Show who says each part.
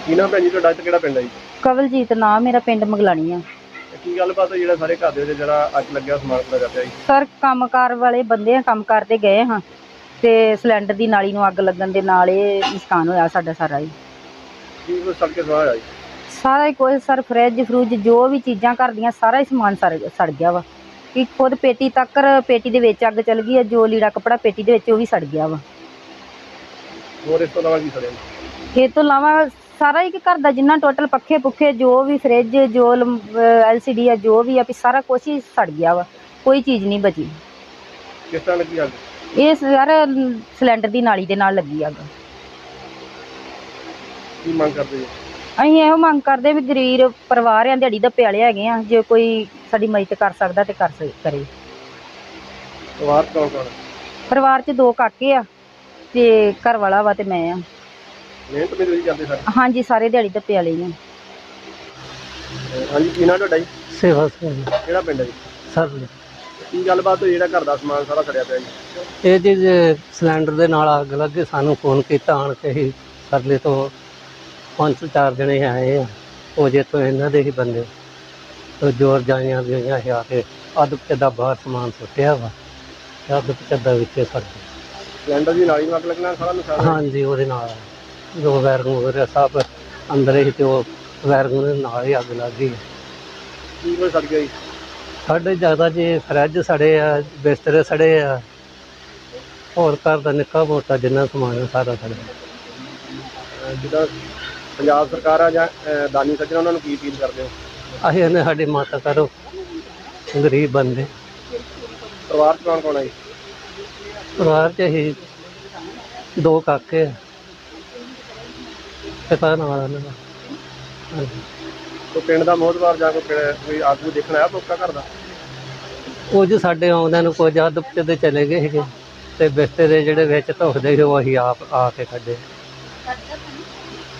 Speaker 1: ਕੀ ਨਾਮ ਭੈਣ ਜੀ ਤੁਹਾਡਾ ਤੇ ਕਿਹੜਾ ਪਿੰਡ ਹੈ ਜੀ?
Speaker 2: ਕਵਲਜੀਤ ਨਾਮ ਮੇਰਾ, ਪਿੰਡ ਮਗਲਾਣੀ ਆ।
Speaker 1: ਕੀ ਗੱਲਬਾਤ ਹੋਈ ਜਿਹੜਾ ਸਾਰੇ ਘਰ ਦੇ ਵਿੱਚ ਜਿਹੜਾ ਅੱਗ ਲੱਗਿਆ ਸਮਾਨ ਪੂਰਾ ਕਰਦਾ ਜੀ?
Speaker 2: ਸਰ ਕੰਮਕਾਰ ਵਾਲੇ ਬੰਦੇ ਆ, ਕੰਮ ਕਰਦੇ ਗਏ ਹਾਂ ਤੇ ਸਿਲੰਡਰ ਦੀ ਨਾਲੀ ਨੂੰ ਅੱਗ ਲੱਗਣ ਦੇ ਨਾਲ ਇਹ ਨੁਕਸਾਨ ਹੋਇਆ ਸਾਡਾ ਸਾਰਾ ਹੀ।
Speaker 1: ਕੀ ਕੁਛ ਸੜ ਕੇ ਸਵਾਹ ਹੋਇਆ ਜੀ?
Speaker 2: ਸਾਰਾ ਹੀ ਕੁਝ ਸਰ, ਫਰਿੱਜ ਫਰੂਜ ਜੋ ਵੀ ਚੀਜ਼ਾਂ ਘਰ ਦੀਆਂ ਸਾਰਾ ਹੀ ਸਮਾਨ ਸੜ ਗਿਆ ਵਾ। ਕਿ ਖੁਦ ਪੇਟੀ ਤੱਕ, ਪੇਟੀ ਦੇ ਵਿੱਚ ਅੱਗ ਚੱਲ ਗਈ ਹੈ। ਜੋ ਲੀੜਾ ਕੱਪੜਾ ਪੇਟੀ ਦੇ ਵਿੱਚ ਉਹ ਵੀ ਸੜ ਗਿਆ ਵਾ।
Speaker 1: ਹੋਰ ਇਸ ਤੋਂ ਇਲਾਵਾ ਕੀ ਸੜਿਆ?
Speaker 2: ਇਹ ਤੋਂ ਇਲਾਵਾ ਸਾਰਾ ਹੀ ਘਰ ਦਾ ਜਿੰਨਾ ਟੋਟਲ ਪੱਖੇ ਪੁੱਖੇ ਜੋ ਵੀ ਫਰਿੱਜ ਜੋ LCD ਆ ਜੋ ਵੀ ਆ ਵੀ ਸਾਰਾ ਕੁਛ ਹੀ ਸੜ ਗਿਆ ਵਾ, ਕੋਈ ਚੀਜ਼ ਨਹੀਂ ਬਚੀ।
Speaker 1: ਕਿਸ ਤਰ੍ਹਾਂ ਲੱਗੀ ਅੱਗ?
Speaker 2: ਇਹ ਸਰ ਸਿਲੰਡਰ ਦੀ ਨਾਲੀ ਦੇ ਨਾਲ ਲੱਗੀ ਅੱਗ।
Speaker 1: ਕੀ ਮੰਗ ਕਰਦੇ ਜੀ?
Speaker 2: ਅਸੀਂ ਇਹੋ ਮੰਗ ਕਰਦੇ ਵੀ ਗਰੀਬ ਪਰਿਵਾਰ ਆ, ਦਿਹਾੜੀ ਦੱਪੇ ਵਾਲੇ ਹੈਗੇ ਆ, ਜੇ ਕੋਈ ਸਾਡੀ ਮਦਦ ਕਰ ਸਕਦਾ ਤੇ ਕਰੇ।
Speaker 1: ਪਰਿਵਾਰ ਕੌਣ ਕੌਣ?
Speaker 2: ਪਰਿਵਾਰ 'ਚ 2 ਕਾਕੇ ਆ ਤੇ ਘਰ ਵਾਲਾ ਵਾ ਤੇ ਮੈਂ ਆ।
Speaker 1: ਮਿਹਨਤ ਮਜ਼ਦੂਰੀ ਕਰਦੇ ਸਾਰੇ?
Speaker 2: ਹਾਂਜੀ, ਸਾਰੇ ਦਿਹਾੜੀ ਦੱਪੇ ਵਾਲੇ ਹੀ ਆ।
Speaker 1: ਹਾਂਜੀ, ਕੀ ਨਾਮ ਤੁਹਾਡਾ ਜੀ?
Speaker 3: ਸੇਵਾ ਸਿੰਘ
Speaker 1: ਕਿਹੜਾ ਪਿੰਡ ਹੈ ਜੀ?
Speaker 3: ਸਰ।
Speaker 1: ਕੀ ਗੱਲਬਾਤ ਹੋਈ ਜਿਹੜਾ ਘਰ ਦਾ ਸਮਾਨ ਸਾਰਾ ਸੜਿਆ ਪਿਆ ਜੀ?
Speaker 3: ਇਹ ਜੀ ਸਿਲੰਡਰ ਦੇ ਨਾਲ ਅੱਗ ਲੱਗੇ, ਸਾਨੂੰ ਫੋਨ ਕੀਤਾ ਆਣ ਕੇ ਹੀ ਸਰਲੇ ਤੋਂ 5-4 ਜਣੇ ਆਏ ਆ, ਉਹ ਜਿੱਥੋਂ ਇਹਨਾਂ ਦੇ ਹੀ ਬੰਦੇ ਜੋਰ ਜਾਈਆਂ ਗਈਆਂ ਆ ਕੇ ਅੱਧ ਪਚੱਦਾ ਬਾਹਰ ਸਮਾਨ ਸੁੱਟਿਆ ਵਾ, ਅੱਧ ਪਚੱਦਾ ਵਿੱਚ ਸੜ ਗਿਆ।
Speaker 1: ਸਿਲੰਡਰ ਦੀ ਨਾਲੀ ਨੂੰ ਅੱਗ ਲੱਗਣਾ ਸਾਰਾ ਨੁਕਸਾਨ?
Speaker 3: ਹਾਂਜੀ, ਉਹਦੇ ਨਾਲ ਜੋ ਵੈਰਗੂ ਵਗੈਰਾ ਸਭ ਅੰਦਰ ਹੀ ਤੇ ਉਹ ਵੈਰਗੂ ਦੇ ਨਾਲ ਹੀ ਅੱਗ ਲੱਗ ਗਈ।
Speaker 1: ਕੀ ਕੁਛ ਸੜ ਗਿਆ ਜੀ?
Speaker 3: ਸਾਡੇ ਜ਼ਿਆਦਾ ਜੀ ਫਰਿੱਜ ਸੜੇ ਆ, ਬਿਸਤਰੇ ਸੜੇ ਆ, ਹੋਰ ਘਰ ਦਾ ਨਿੱਕਾ ਮੋਟਾ ਜਿੰਨਾ ਸਮਾਨ ਸਾਰਾ ਸੜਿਆ।
Speaker 1: ਜਿੱਦਾਂ ਪੰਜਾਬ ਸਰਕਾਰ ਆ ਜਾਂ ਦਾਨੀ ਸੱਜਣ, ਉਹਨਾਂ ਨੂੰ ਕੀ ਅਪੀਲ ਕਰਦੇ ਹੋ?
Speaker 3: ਅਸੀਂ ਇਹਨੇ ਸਾਡੀ ਮਾਤਾ ਕਰੋ, ਗਰੀਬ ਬੰਦੇ।
Speaker 1: ਪਰਿਵਾਰ 'ਚ ਕੌਣ ਕੌਣ ਹੈ ਜੀ?
Speaker 3: ਪਰਿਵਾਰ 'ਚ ਅਸੀਂ 2 ਕਾਕੇ ਆ, ਪਿਤਾ ਨਾਲ ਉਹਨਾਂ ਦਾ। ਹਾਂਜੀ।
Speaker 1: ਕੋਈ ਪਿੰਡ ਦਾ ਮੋਹਤਬਾਰ ਜਾਂ ਕੋਈ ਆਗੂ ਦੇਖਣ ਆਇਆ ਮੌਕਾ ਘਰ ਦਾ?
Speaker 3: ਕੁਝ ਸਾਡੇ ਆਉਂਦਿਆਂ ਨੂੰ ਕੁਝ ਅੱਧ ਪਚੱਦੇ ਚਲੇ ਗਏ ਸੀਗੇ ਤੇ ਬਿਸਤਰੇ ਜਿਹੜੇ ਵਿੱਚ ਧੁਖਦੇ ਸੀ ਉਹ ਅਸੀਂ ਆਪ ਆ ਕੇ ਕੱਢੇ।